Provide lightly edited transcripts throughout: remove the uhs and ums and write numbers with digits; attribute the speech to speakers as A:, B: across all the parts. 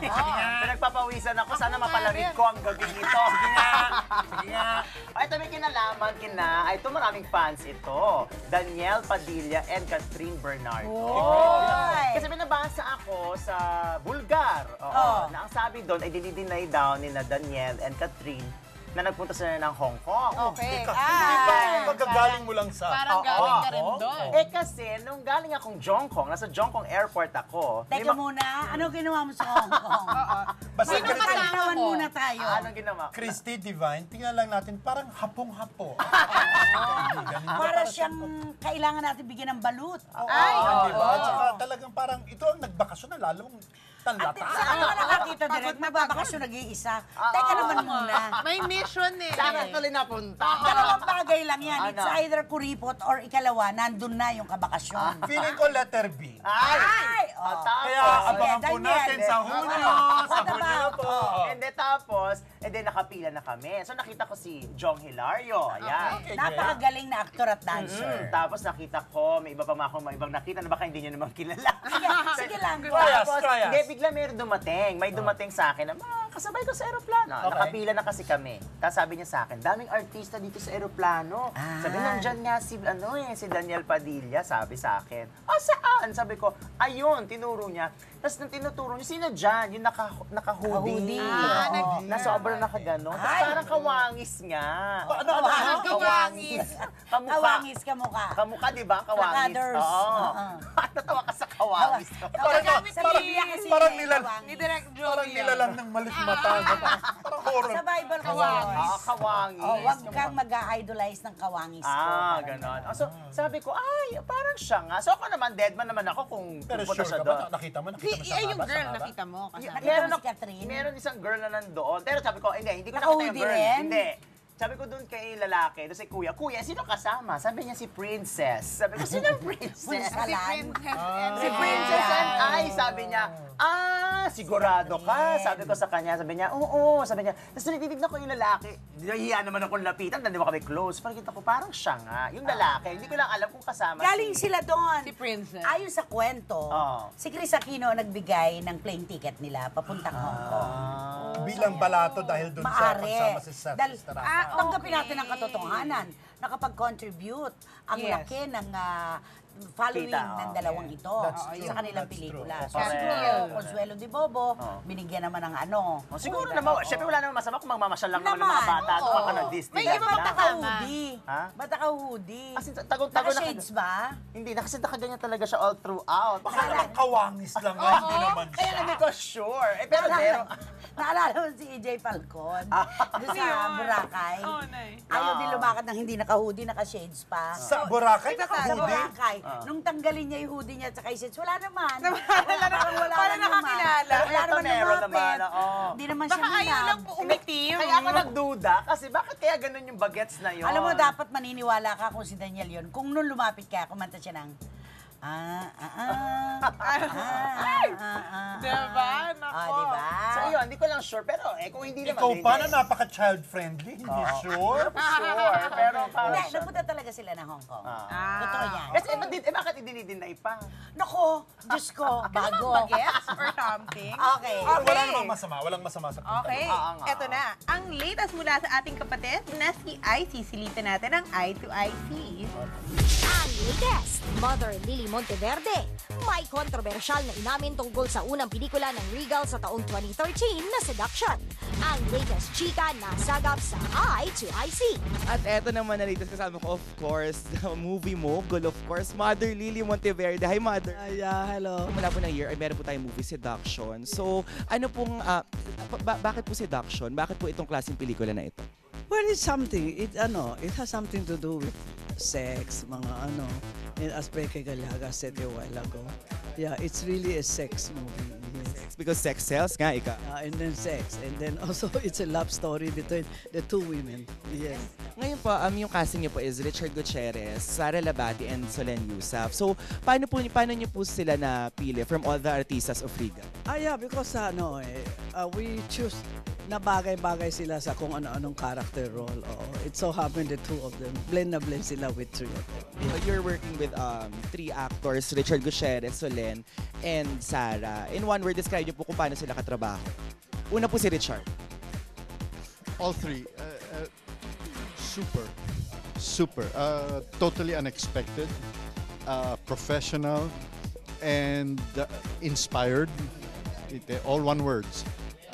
A: Pinagpapawisan ako. Sana mapalamig ko ang gabi nito.
B: Sige nga. Sige nga.
A: Ay, ito may kinalaman ay ito maraming fans ito. Daniel Padilla and Catherine Bernardo. Kasi binabasa ako sa Bulgar. Na ang sabi doon ay dinideny daw ni na Daniel and Catherine na nagpunta sila ng Hong Kong.
C: Okay.
B: Hindi ba magagaling mo lang sa...
C: Parang galing ka rin doon.
A: Kasi nung galing akong Jongkong, nasa Jongkong Airport ako.
D: Teka muna, ano ginawa mo sa Hong Kong?
B: Basta
C: Sino
B: ganito.
C: kasama mo?
D: muna tayo.
A: Anong ginawa?
B: Christy Divine, tingnan lang natin, parang hapong-hapo.
D: Para siyang kailangan natin bigyan ng balut.
C: Ay,
B: Diba? At saka talagang parang ito ang nagbakasyon na lalong talata.
D: Saan ka nakakita direct? Magbabakasyon nag-iisa. Teka naman muna.
C: may mission eh.
A: Saan actually napunta?
D: Dalawang bagay lang yan. It's
A: Ano?
D: either kuripot or ikalawa, nandun na yung kabakasyon.
B: Feeling ko letter B.
D: Ay!
A: Tapos,
B: Kaya abangan po
D: Daniel.
B: natin sa Hunyo. Sa Hunyo po.
A: And then tapos, nakapila na kami. So nakita ko si Jong Hilario. Ayan.
B: Okay,
D: Napakagaling na actor at dancer.
A: Tapos nakita ko, may iba pa mga ibang nakita na baka hindi nyo naman kilala.
D: Sige lang.
A: Tapos,
B: Try us.
A: hindi, bigla meron dumating. May dumating sa akin na, kasabay ko sa aeroplano.
B: Okay.
A: Nakapila na kasi kami. Tapos sabi niya sa akin, daming artista dito sa aeroplano. Sabi, nandyan nga si Daniel Padilla, sabi sa akin. Saan? Sabi ko, ayun, tinuro niya. Tapos nung tinuturo niya, sino dyan? Yung naka-hoodie. Na sobrang nakaganon. Tapos parang kawangis nga.
B: Ano?
C: Kawangis.
D: Kawangis ka mukha.
A: Kamukha, di ba? Kawangis.
D: Nakaders.
A: Oo. Natawa ka sa kawangis.
B: Parang
C: Ni Direk Joey.
B: Parang nilalang ng malit mata. Parang horror.
D: Sa Bible ko
A: Kawangis.
D: Huwag kang mag-idolize ng kawangis ko.
A: Ganon. So, sabi ko, parang siya nga. So, ako naman, deadman naman ako kung
B: Pero
A: pupunta
B: sure
A: siya
B: ka
A: doon.
B: ba? Nakita mo sa
C: Yung
B: haba,
C: girl,
B: sa haba?
C: nakita mo.
D: Nakita
A: Meron
D: mo si Catherine?
A: Meron isang girl na nandoon. Pero sabi ko, hindi ko nakita yung
D: Naka-hoodie
A: girl.
D: rin?
A: Hindi. Sabi ko doon kay lalaki, doon si Kuya, sino kasama? Sabi niya si Princess. Sabi ko, sino Princess?
D: Si
C: Princess and
A: Si Princess and I, sabi niya, sigurado ka. Sabi ko sa kanya, sabi niya, oo. Sabi niya, tapos tinitignan ko yung lalaki. Nahihiya naman akong lapitan, hindi mo kami close. Parang kita ko, parang siya nga. Yung lalaki, hindi ko lang alam kung kasama
D: Galing sila doon.
C: Si Princess.
D: Ayon sa kwento, si Chris Aquino nagbigay ng plane ticket nila papuntang Hong Kong.
B: Bilang balato dahil doon sa
D: Maari.
B: pagsama si Seth
D: Dahil,
B: Estrada.
D: tanggapin natin ang katotohanan. Nakapag-contribute ang
A: Yes.
D: laki ng following
A: Kita,
D: ng dalawang ito
B: That's true.
D: sa kanilang
B: That's
D: pelikula.
B: true.
D: So,
A: Correct.
D: siguro, Consuelo de Bobo, binigyan naman ng ano.
A: Siguro naman, syempre wala naman masama kung magmamasyal lang naman ng mga bata.
D: oo.
A: Baka na Disney.
C: May
A: lang
C: ibang
A: sila.
D: Ba't naka-hoodie?
A: Ha?
D: Ba't naka-hoodie?
A: Kasi tagong-tago na.
D: Naka-shades ba?
A: Hindi, kasi nakaganyan talaga siya all throughout.
B: Baka naman kawangis lang nga, hindi naman
A: Kaya
B: siya.
A: hindi ko sure. Pero meron.
D: Naalala mo si EJ Falcon? Doon sa Boracay.
C: Oh, nice.
D: Ayaw din lumakad ng hindi naka-hoodie, naka-shades pa.
B: Sa Boracay,
D: Sa
B: naka-hoodie.
D: Boracay. Nung tanggalin niya yung hoodie niya at saka yung shades, wala naman. Wala
C: Parang nakakilala.
D: Wala
A: Ito
D: naman
A: meron
D: lumapit.
A: naman, oo.
D: Hindi naman siya
C: Baka ayaw lang po
D: minab.
C: umitim.
A: Kaya ako nagduda kasi bakit kaya ganun yung bagets na yun?
D: Alam mo, dapat maniniwala ka kung si Daniel yun. Kung nung lumapit ka, kumanta siya ng...
C: Diba? Nako.
D: Diba?
A: So yun, hindi ko lang sure. Pero kung hindi naman.
B: Ikaw
A: hindi.
B: pa na napaka-child-friendly, hindi sure.
A: Sure, pero parang
D: Hindi,
A: siya.
D: nagpunta talaga sila ng Hong Kong.
C: Ah.
D: Totoo yan.
A: Kasi bakit idinidinay pa?
D: Nako, Diyos ko, bago.
C: Bagets or something?
D: Okay.
B: Wala namang masama, walang masama sa punta.
C: Okay,
A: Oo nga.
C: eto na. Ang latest mula sa ating kapatid na si IC. Silitan natin ang Eye to IC.
E: Ang latest, Mother Lily Monteverde. May kontrobersyal na inamin tungkol sa unang pelikula ng Regal sa taong 2013 na Seduction. Ang latest chika na sagap sa Eye to IC.
F: At eto naman na latest kasama ko, of course, the movie mogul, of course, Mother Lily Monteverde. Hi, Mother!
G: Hello.
F: Mula po ng year, ay meron po tayong movie, Seduction. So, ano pong, bakit po Seduction? Bakit po itong klaseng pelikula na ito?
G: Well, it's something. It has something to do with sex, mga as Beke Galaga said a while ago. Yeah, it's really a sex movie. Yes.
F: Because sex sells nga, ika.
G: And then sex. And then also, it's a love story between the two women. Yes.
F: Ngayon po, yung casting niyo po is Richard Gutierrez, Sara Labati, and Solen Yusuf. So, paano niyo po sila napili from all the artistas of Regal?
G: Yeah, because we choose na bagay-bagay sila sa kung ano-anong character role. It so happened the two of them, blend na blend sila with three of them.
F: So, you're working with three actors, Richard Gutierrez, Solen, and Sarah. In one word, describe niyo po kung paano sila katrabaho. Una po si Richard.
B: All three, super, totally unexpected, professional, and inspired. All one words.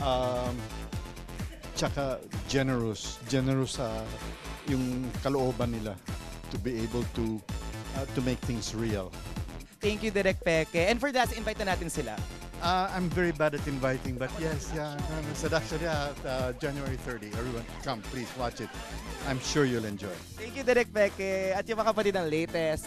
B: Tsaka generous sa yung kalooban nila to be able to make things real.
F: Thank you, Direk Peke. And for that, invite na natin sila.
B: I'm very bad at inviting, but yes, Seduction, January 30. Everyone, come, please watch it. I'm sure you'll enjoy.
F: Thank you, Direk Peke. At yung mga kapatid ng latest.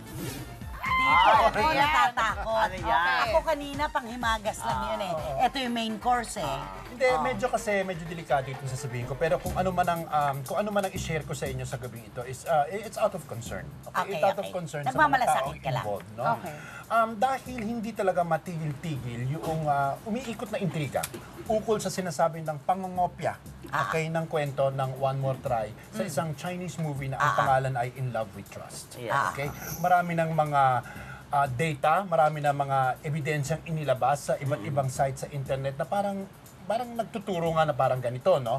D: Dito, ako
A: okay.
D: natatakot.
A: Ano yan?
D: Ako kanina, panghimagas lang yun eh. Ito yung main course eh.
H: Hindi, medyo delikado itong sasabihin ko. Pero kung ano man ang i-share ko sa inyo sa gabi ito is it's out of concern.
D: Okay,
H: It's out of
D: okay.
H: concern sa mga
D: Nagmamalasakit
H: taong
D: ka lang.
H: involved. No?
C: Okay.
H: Dahil hindi talaga matigil-tigil yung umiikot na intriga ukol sa sinasabi ng pangongopya ng kwento ng One More Try sa isang Chinese movie na ang pangalan ay In Love with Trust.
A: Yes.
H: Okay? Marami ng mga data, marami ng mga ebidensyang inilabas sa iba't ibang sites sa internet na parang nagtuturo nga na parang ganito, no?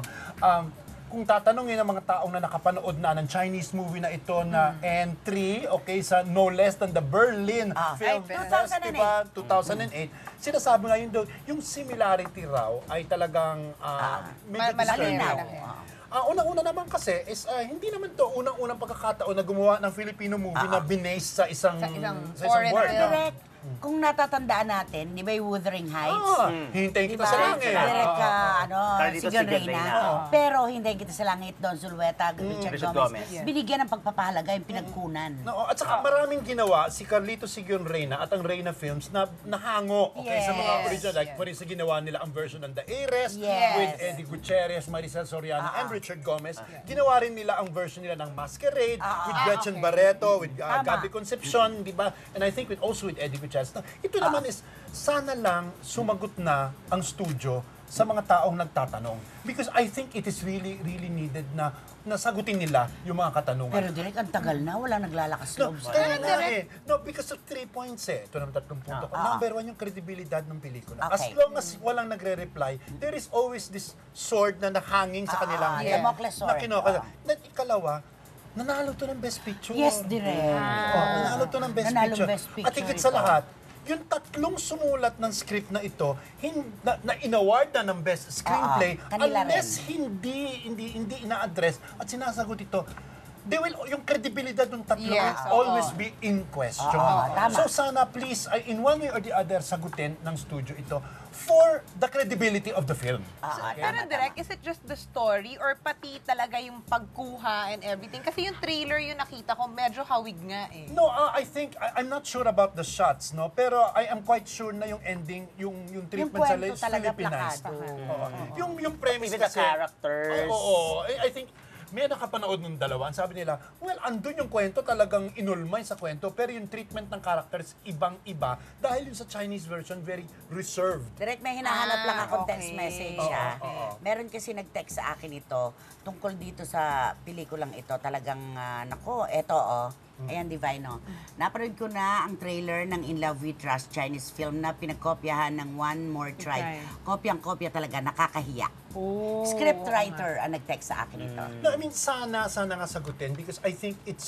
H: Kung tatanungin ng mga taong na nakapanood na ng Chinese movie na ito na entry, okay, sa no less than the Berlin Film
D: 2008.
H: Festival 2008, sinasabi nga yun doon, yung similarity raw ay talagang medyo
C: malaki,
H: disturbing.
C: malaki.
H: Unang-una naman kasi is hindi naman to unang-unang pagkakataon na gumawa ng Filipino movie na binase sa isang
C: foreign
H: word.
C: film.
D: Direct, kung natatandaan natin, di ba yung Wuthering Heights?
H: Hintayin kita
D: Diba?
H: sa langit.
D: Direct
A: Carlito
D: Sigon
A: Sigon
D: Reyna.
A: Reyna.
D: Pero Hintayin Kita sa Langit, Don Zulueta, Richard
A: Richard
D: Gomez.
A: Gomez.
D: Binigyan ng pagpapahalaga yung pinagkunan.
H: No, at saka maraming ginawa si Carlito Sigon Reyna at ang Reyna Films na nahango sa mga
D: Yes.
H: original. Like, for instance, ginawa nila ang version ng The Heiress
D: Yes.
H: with Eddie Gutierrez, Maricel Soriano, and Richard Gomez. Ginawa rin nila ang version nila ng Masquerade with Gretchen Barreto, with Gabby Concepcion, di ba? And I think also with Eddie Gutierrez. Ito naman is, sana lang sumagot na ang studio sa mga taong nagtatanong. Because I think it is really needed na nasagutin nila yung mga katanungan.
D: Pero direct, ang tagal na, wala naglalakas
H: No,
D: loob.
H: kaya nga eh. No, because of 3 points eh. Ito naman 3 punto ko. Number 1, yung kredibilidad ng pelikula. As
D: Okay.
H: long as walang nagre-reply, there is always this sword na nahanging sa kanilang head.
D: Damocles sword.
H: Na kinuha. At ikalawa, nanalo to ng Best Picture.
D: Yes, direct.
H: Nanalo to ng Best
D: Nanalo
H: Picture.
D: Best Picture
H: At higit sa
D: ito.
H: lahat, yung tatlong sumulat ng script na ito, na in-award na ng Best Screenplay,
D: kanila
H: unless hindi ina-address at sinasagot ito, yung credibility ng tatlo will
C: Yes,
H: always be in question.
D: tama.
H: So sana please, in one way or the other, sagutin ng studio ito for the credibility of the film.
C: Pero direct, is it just the story or pati talaga yung pagkuha and everything? Kasi yung trailer yung nakita ko, medyo hawig nga eh.
H: No, I think, I'm not sure about the shots, no? Pero I am quite sure na yung ending, yung treatment sa
D: kwento talaga
H: Philippinized.
D: plakado.
H: Oo. Yung premise
A: Even the
H: kasi...
A: characters.
H: Oo. I think, may nakapanood ng dalawa. Sabi nila, well, andun yung kwento, talagang inulmay sa kwento, pero yung treatment ng characters, ibang-iba. Dahil yung sa Chinese version, very reserved.
D: Direct, may hinahanap lang akong
C: okay.
D: text message. Meron kasi nag-text sa akin ito tungkol dito sa pelikulang ito. Talagang, nako, eto ayan, Divino. Napanood ko na ang trailer ng In Love with Trust, Chinese film na pinagkopyahan ng One More Try. Kopyang-kopya talaga, nakakahiya. Scriptwriter ang nag-text sa akin ito.
H: No, I mean, sana nga sagutin because I think it's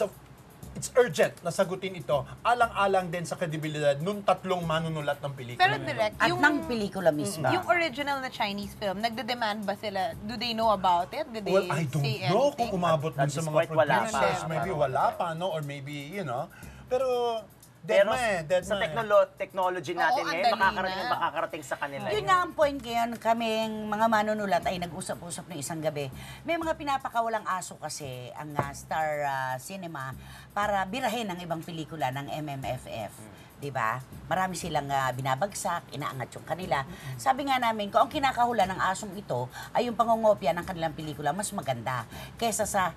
H: urgent na sagutin ito alang-alang din sa kredibilidad nung tatlong manunulat ng pelikula.
C: Pero direct,
D: At
C: yung,
D: ng pelikula mismo.
C: yung original na Chinese film, nagde-demand ba sila? Do they know about it? Did they
H: Well, I don't
C: say
H: know
C: anything?
H: kung umabot dun
A: At
H: sa
A: this
H: mga
A: point, wala pa.
H: producers. Maybe wala pa, no? Or maybe, Pero,
A: Pero
H: dead
A: sa
H: na.
A: technology natin
C: Oo, ang
A: ngayon,
C: dali na.
A: makakarating sa kanila.
D: Yun nga ang point ngayon, kaming mga manunulat ay nag-usap-usap ng isang gabi. May mga pinapakawalang aso kasi ang Star Cinema para birahin ang ibang pelikula ng MMFF. Diba? Marami silang binabagsak, inaangat yung kanila. Sabi nga namin, kung ang kinakahula ng asong ito ay yung pangongopya ng kanilang pelikula, mas maganda kesa sa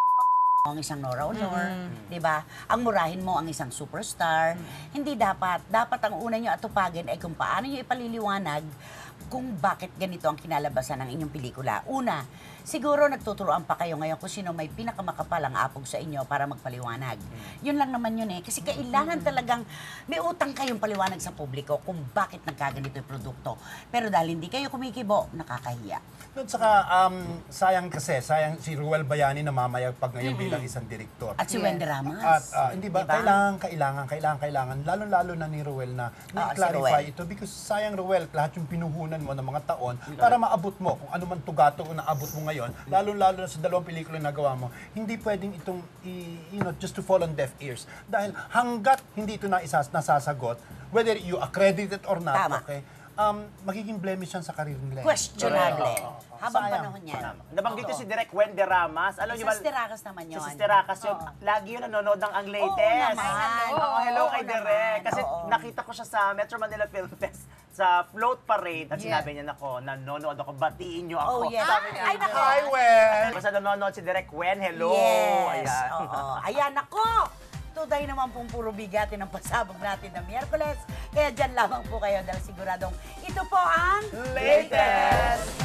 D: ang isang Nora Honor, 'di ba? Ang murahin mo ang isang superstar. Hindi dapat ang una niyo atupagin ay kung paano niyo ipaliliwanag kung bakit ganito ang kinalabasan ng inyong pelikula. Una, siguro nagtuturoan pa kayo ngayon kung sino may pinakamakapalang apog sa inyo para magpaliwanag. Yun lang naman yun eh. Kasi kailangan talagang may utang kayong paliwanag sa publiko kung bakit nagkaganito yung produkto. Pero dahil hindi kayo kumikibo, nakakahiya.
H: At saka, sayang si Ruel Bayani na mamayagpag ngayon bilang isang direktor.
D: At si Wendy Ramos.
H: At hindi ba, kailangan, lalo-lalo na ni Ruel na clarify
D: si Ruel.
H: ito because sayang Ruel, lahat yung pinuhunan mo ng mga taon para maabot mo kung ano man tugato kung naabot mo ngayon, lalo-lalo na sa dalawang pelikula na nagawa mo, hindi pwedeng itong, just to fall on deaf ears. Dahil hanggat hindi ito nasasagot, whether you accredit it or not,
D: Tama.
H: okay, magiging blemish yan sa karir nila.
D: Questionable. Habang
H: Sayang.
D: panahon yan.
A: Nabanggit ko si Direk Wendy Ramas. Alam
D: Si
A: niyo ba?
D: Sister Racas naman yun.
A: Si Sister Racas yun. Lagi yun nanonood ng ang latest.
D: Oo naman.
A: Oo, hello
D: Oo
A: kay
D: naman.
A: Direk. Kasi
D: Oo.
A: nakita ko siya sa Metro Manila Film Fest sa float parade at sinabi niya, nako, nanonood ako, batiin niyo ako.
D: Oh, yes.
A: Sabi niya,
D: Ay, nako.
H: Hi, Wen!
A: Basta nanonood si Direk Wen, hello.
D: Yes.
A: Ayan.
D: Oo. Ayan, ako! Today naman pong puro bigatin ang pasabog natin ng Miyerkules. Kaya dyan lamang po kayo dahil siguradong ito po ang
A: Latest!